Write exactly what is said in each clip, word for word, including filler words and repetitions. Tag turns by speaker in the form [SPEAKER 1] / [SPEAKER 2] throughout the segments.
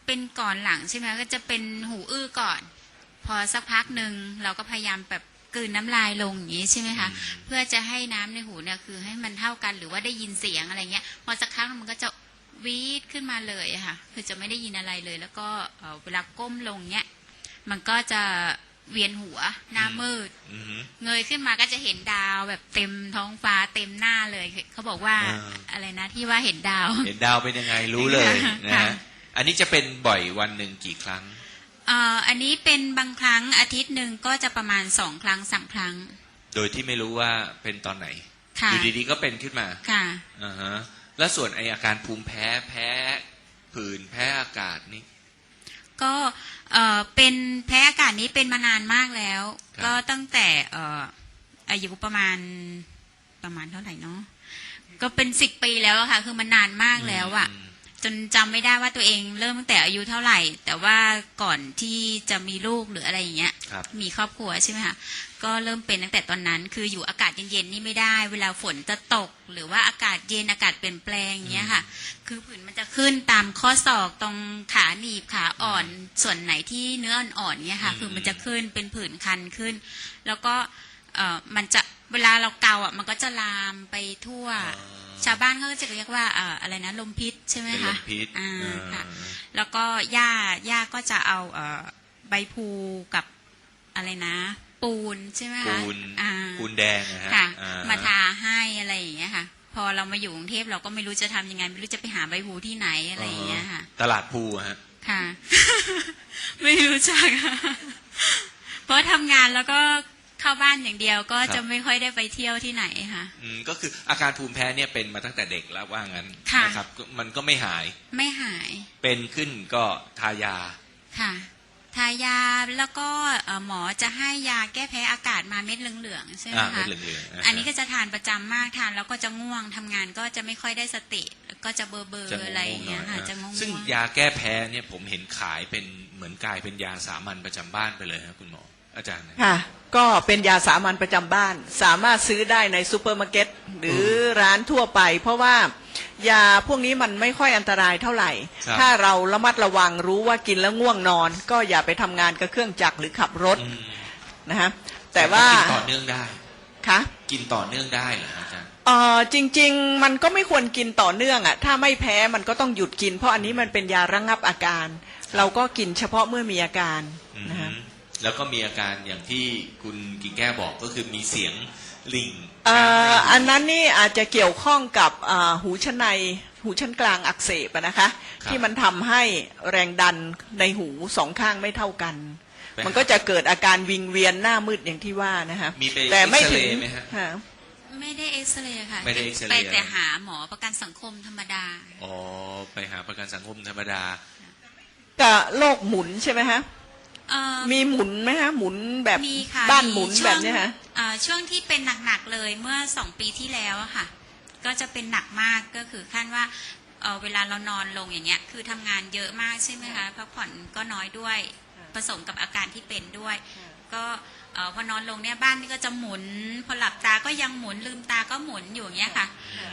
[SPEAKER 1] เป็นก่อนหลังใช่ไหมก็จะเป็นหูอื้อก่อนพอสักพักหนึ่งเราก็พยายามแบบกลืนน้ำลายลงอย่างนี้ใช่ไหมคะเพื่อจะให้น้ำในหูเนี่ยคือให้มันเท่ากันหรือว่าได้ยินเสียงอะไรเงี้ยพอสักครั้งมันก็จะวีดขึ้นมาเลยอะค่ะคือจะไม่ได้ยินอะไรเลยแล้วก็เวลาก้มลงเนี้ยมันก็จะเวียนหัวหน้ามืดเงยขึ้นมาก็จะเห็นดาวแบบเต็มท้องฟ้าเต็มหน้าเลยเขาบอกว่าอะไรนะที่ว่าเห็นดาว
[SPEAKER 2] เห็นดาวเป็นยังไงรู้เลยนะฮะอันนี้จะเป็นบ่อยวันหนึ่งกี่ครั้ง
[SPEAKER 1] อ่าอันนี้เป็นบางครั้งอาทิตย์หนึ่งก็จะประมาณสองครั้งสามครั้ง
[SPEAKER 2] โดยที่ไม่รู้ว่าเป็นตอนไหนอยู่ดีๆก็เป็นขึ้นมา
[SPEAKER 1] ค่ะ
[SPEAKER 2] อ่าฮะแล้วส่วนไออาการภูมิแพ้แพ้ผื่นแพ้อากาศนี่
[SPEAKER 1] ก็เอ่อเป็นแพ้อากาศนี้เป็นมานานมากแล้วก็ตั้งแต่เอ่ออายุประมาณประมาณเท่าไหร่เนาะก็เป็นสิบปีแล้วค่ะคือมันนานมากแล้วอะจนจำไม่ได้ว่าตัวเองเริ่มตั้งแต่อายุเท่าไหร่แต่ว่าก่อนที่จะมีลูกหรืออะไรอย่างเงี้ยมีครอบครัวใช่ไหมคะก็เริ่มเป็นตั้งแต่ตอนนั้นคืออยู่อากาศเย็นๆนี่ไม่ได้เวลาฝนจะตกหรือว่าอากาศเย็นอากาศเปลี่ยนแปลงอย่างเงี้ยค่ะคือผื่นมันจะขึ้นตามข้อศอกตรงขาหนีบขาอ่อนส่วนไหนที่เนื้ออ่อนๆเงี้ยค่ะคือมันจะขึ้นเป็นผื่นคันขึ้นแล้วก็เอ่อมันจะเวลาเราเกาอ่ะมันก็จะลามไปทั่วชาวบ้านเขาก็จะเรียกว่าอ่าอะไรนะลมพิษใช่ไหมคะ
[SPEAKER 2] ลมพิษ
[SPEAKER 1] อ่าค่ะแล้วก็ย่าย่าก็จะเอาเอ่อใบพลูกับอะไรนะปูนใช่ไหมคะ
[SPEAKER 2] ปูนปูนแดงนะฮะ
[SPEAKER 1] มาทาให้อะไรอย่างเงี้ยค่ะพอเรามาอยู่กรุงเทพเราก็ไม่รู้จะทำยังไงไม่รู้จะไปหาใบพลูที่ไหนอะไรอย่างเงี้ยค่ะ
[SPEAKER 2] ตลาดพลูฮะ
[SPEAKER 1] ค่ะ ไม่รู้จักเพราะทำงานแล้วก็เข้าบ้านอย่างเดียวก็จะไม่ค่อยได้ไปเที่ยวที่ไหนค่ะ
[SPEAKER 2] อืมก็คืออาการภูมิแพ้เนี่ยเป็นมาตั้งแต่เด็กแล้วว่างั้นนะครับมันก็ไม่หาย
[SPEAKER 1] ไม่หาย
[SPEAKER 2] เป็นขึ้นก็ทายา
[SPEAKER 1] ค่ะทายาแล้วก็หมอจะให้ยาแก้แพ้อากาศมาเม็ดเหลืองๆใช่ไหมคะอันนี้ก็จะทานประจำมากทานแล้วก็จะง่วงทำงานก็จะไม่ค่อยได้สติก็จะเบอร์เบอร์อะไรอย่างเงี้ยค่ะจะง่วง
[SPEAKER 2] ซึ่งยาแก้แพ้เนี่ยผมเห็นขายเป็นเหมือนกลายเป็นยาสามัญประจำบ้านไปเลยครับคุณหมออาจารย์
[SPEAKER 3] ค่ะก็เป็นยาสามัญประจำบ้านสามารถซื้อได้ในซูเปอร์มาร์เก็ตหรือร้านทั่วไปเพราะว่ายาพวกนี้มันไม่ค่อยอันตรายเท่าไหร่ถ้าเราระมัดระวังรู้ว่ากินแล้วง่วงนอนก็อย่าไปทำงานกับเครื่องจักรหรือขับรถนะฮะแต่ว่า
[SPEAKER 2] กินต่อเนื่องได้
[SPEAKER 3] ค่ะ
[SPEAKER 2] กินต่อเนื่องได้เหรออาจารย์
[SPEAKER 3] เออจริงๆมันก็ไม่ควรกินต่อเนื่องอ่ะถ้าไม่แพ้มันก็ต้องหยุดกินเพราะอันนี้มันเป็นยาระงับอาการเราก็กินเฉพาะเมื่อมีอาการนะฮะ
[SPEAKER 2] แล้วก็มีอาการอย่างที่คุณกิ่งแก้วบอกก็คือมีเสียงลิง
[SPEAKER 3] อันนั้นนี่อาจจะเกี่ยวข้องกับหูชั้นในหูชั้นกลางอักเสบนะคะที่มันทำให้แรงดันในหูสองข้างไม่เท่ากันมันก็จะเกิดอาการวิงเวียนหน้ามืดอย่างที่ว่านะคะ
[SPEAKER 2] แต่ไม่ถึง
[SPEAKER 1] ไม่ได้เอ็กซเรย์ค่ะ
[SPEAKER 2] ไม่ได้เอ็กซเรย์
[SPEAKER 1] ไปแต่หาหมอประกันสังคมธรรมดา
[SPEAKER 2] อ๋อไปหาประกันสังคมธรรมดา
[SPEAKER 3] กับโรคหมุนใช่ไหมฮะมีหมุนไหมฮะหมุนแบบบ้านหมุนแบบนี้ฮะ
[SPEAKER 1] ช่วงที่เป็นหนักๆเลยเมื่อสองปีที่แล้วอะค่ะก็จะเป็นหนักมากก็คือขั้นว่าเเวลาเรานอนลงอย่างเงี้ยคือทำงานเยอะมากใช่ไหมคะพักผ่อนก็น้อยด้วยผสมกับอาการที่เป็นด้วยก็พอนอนลงเนี่ยบ้านนี่ก็จะหมุนพอหลับตาก็ยังหมุนลืมตาก็หมุนอยู่อย่างเงี้ยค่ะ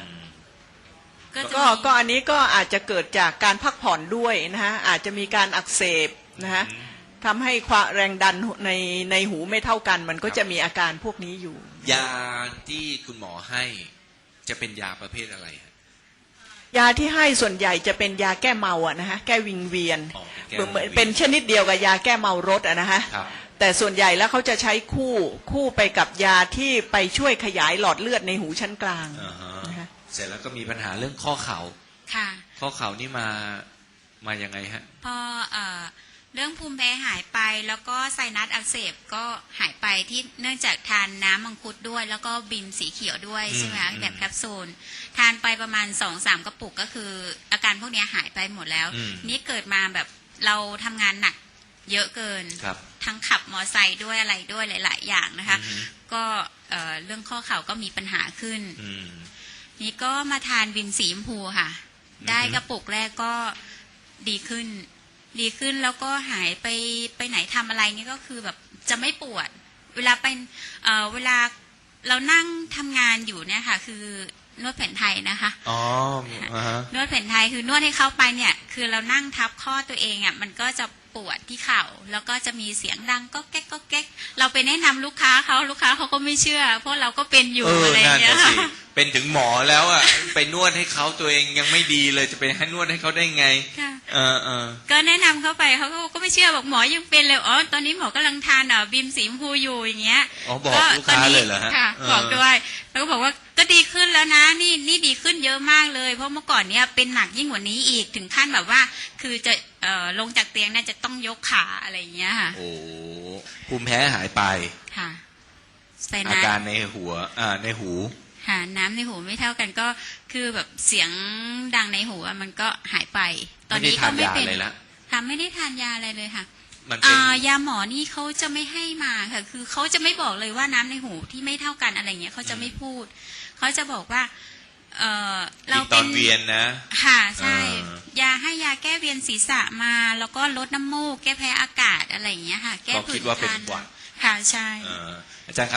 [SPEAKER 3] ก็ก็อันนี้ก็อาจจะเกิดจากการพักผ่อนด้วยนะฮะอาจจะมีการอักเสบนะฮะทำให้ความแรงดันในในหูไม่เท่ากันมันก็จะมีอาการพวกนี้อยู่
[SPEAKER 2] ยาที่คุณหมอให้จะเป็นยาประเภทอะไร
[SPEAKER 3] ยาที่ให้ส่วนใหญ่จะเป็นยาแก้เมาอะนะฮะแก้วิงเวียนเป็นชนิดเดียวกับยาแก้เมารถอะนะฮะแต่ส่วนใหญ่แล้วเขาจะใช้คู่คู่ไปกับยาที่ไปช่วยขยายหลอดเลือดในหูชั้นกลาง
[SPEAKER 2] เสร็จแล้วก็มีปัญหาเรื่องข้อเข่า
[SPEAKER 1] ค่ะ
[SPEAKER 2] ข้อเข่านี่มามายังไงฮะ
[SPEAKER 1] พอเอ่อเรื่องภูมิแพ้หายไปแล้วก็ไซนัสอักเสบก็หายไปที่เนื่องจากทานน้ำมังคุดด้วยแล้วก็บิมสีเขียวด้วยใช่ไหมคะแบบแคปซูลทานไปประมาณสองสามกระปุกก็คืออาการพวกนี้หายไปหมดแล้วนี่เกิดมาแบบเราทำงานหนักเยอะเกินทั้งขับมอไซค์ด้วยอะไรด้วยหลายๆอย่างนะคะก็เรื่องข้อเข่าก็มีปัญหาขึ้นนี่ก็มาทานบิมสีชมพูค่ะได้กระปุกแรกก็ดีขึ้นดีขึ้นแล้วก็หายไปไปไหนทำอะไรนี่ก็คือแบบจะไม่ปวดเวลาไปเอ่อเวลาเรานั่งทำงานอยู่เนี่ยค่ะคือนวดแผนไทยนะคะ
[SPEAKER 2] อ๋ออ่าฮะ
[SPEAKER 1] นวดแผนไทยคือนวดให้เข้าไปเนี่ยคือเรานั่งทับข้อตัวเองอ่ะมันก็จะปวดที่เข่าแล้วก็จะมีเสียงดังก็แก๊กก็แก๊กเราไปแนะนำลูกค้าเขาลูกค้าเขาก็ไม่เชื่อเพราะเราก็เป็นอยู่
[SPEAKER 2] เออ
[SPEAKER 1] อะไรอ
[SPEAKER 2] นั่
[SPEAKER 1] ย่าน งเงี้ย
[SPEAKER 2] น่ะสิเป็นถึงหมอแล้วอ่ะ ไปนวดให้เขาตัวเองยังไม่ดีเลยจะไปให้นวดให้เขาได้ไง
[SPEAKER 1] ค่ะ
[SPEAKER 2] เออเออ
[SPEAKER 1] ก็แนะนำเขาไปเขาก็ไม่เชื่อบอกหมอยังเป็นเลยอ๋อตอนนี้หมอกำลังทานอ่ะบิมสีชมพูอยู่อย่างเงี้ย
[SPEAKER 2] อ๋อบอกลูกค้าเลยเหรอฮะ
[SPEAKER 1] ค่ะ
[SPEAKER 2] เออ
[SPEAKER 1] บอกด้วยแล้วก็บอกว่าก็ดีขึ้นแล้วนะนี่นี่ดีขึ้นเยอะมากเลย เพราะเมื่อก่อนเนี้ยเป็นหนักยิ่งกว่านี้อีกถึงขั้นแบบว่า คือจะเอ่อลงจากเตียงน่าจะต้องยกขาอะไรอย่างเงี้ยค่ะ
[SPEAKER 2] โอ้ภูมิแพ้หายไป
[SPEAKER 1] ค่ะใส่
[SPEAKER 2] อา
[SPEAKER 1] น้
[SPEAKER 2] การในหัวอ่าในหู
[SPEAKER 1] ำค่ะน้ำในหูไม่เท่ากันก็คือแบบเสียงดังในหูอะมันก็หายไป ตอน
[SPEAKER 2] ไม่ได้
[SPEAKER 1] นี้
[SPEAKER 2] ทา
[SPEAKER 1] ก็
[SPEAKER 2] น
[SPEAKER 1] ไม่
[SPEAKER 2] ยา
[SPEAKER 1] เป็น
[SPEAKER 2] เลยละ
[SPEAKER 1] ค่ะไม่ได้ทานยาอะไรเลยค่ะ
[SPEAKER 2] มันเป็น
[SPEAKER 1] อ่ายาหมอนี่เขาจะไม่ให้มาค่ะ คือเขาจะไม่บอกเลยว่าน้ำในหูที่ไม่เท่ากันอะไรเงี้ยเขาจะไม่พูดเขาจะบอกว่า เออเรา
[SPEAKER 2] อีกต
[SPEAKER 1] เป็
[SPEAKER 2] อน
[SPEAKER 1] น
[SPEAKER 2] เวียนนะ
[SPEAKER 1] ค่ะใช่
[SPEAKER 2] อ่าย
[SPEAKER 1] าให้ยาแก้เวียนศีรษะมา แล้วก็ลดน้ำมูกแก้แพ้อากาศอะไรอย่างเงี้ยค่ะ แก้
[SPEAKER 2] ก็
[SPEAKER 1] ผื่
[SPEAKER 2] คิ
[SPEAKER 1] น
[SPEAKER 2] ดว่าเป็น
[SPEAKER 1] คัน
[SPEAKER 2] หวัด
[SPEAKER 1] ค่ะใช่
[SPEAKER 2] เอ่ออาจารย์ครับ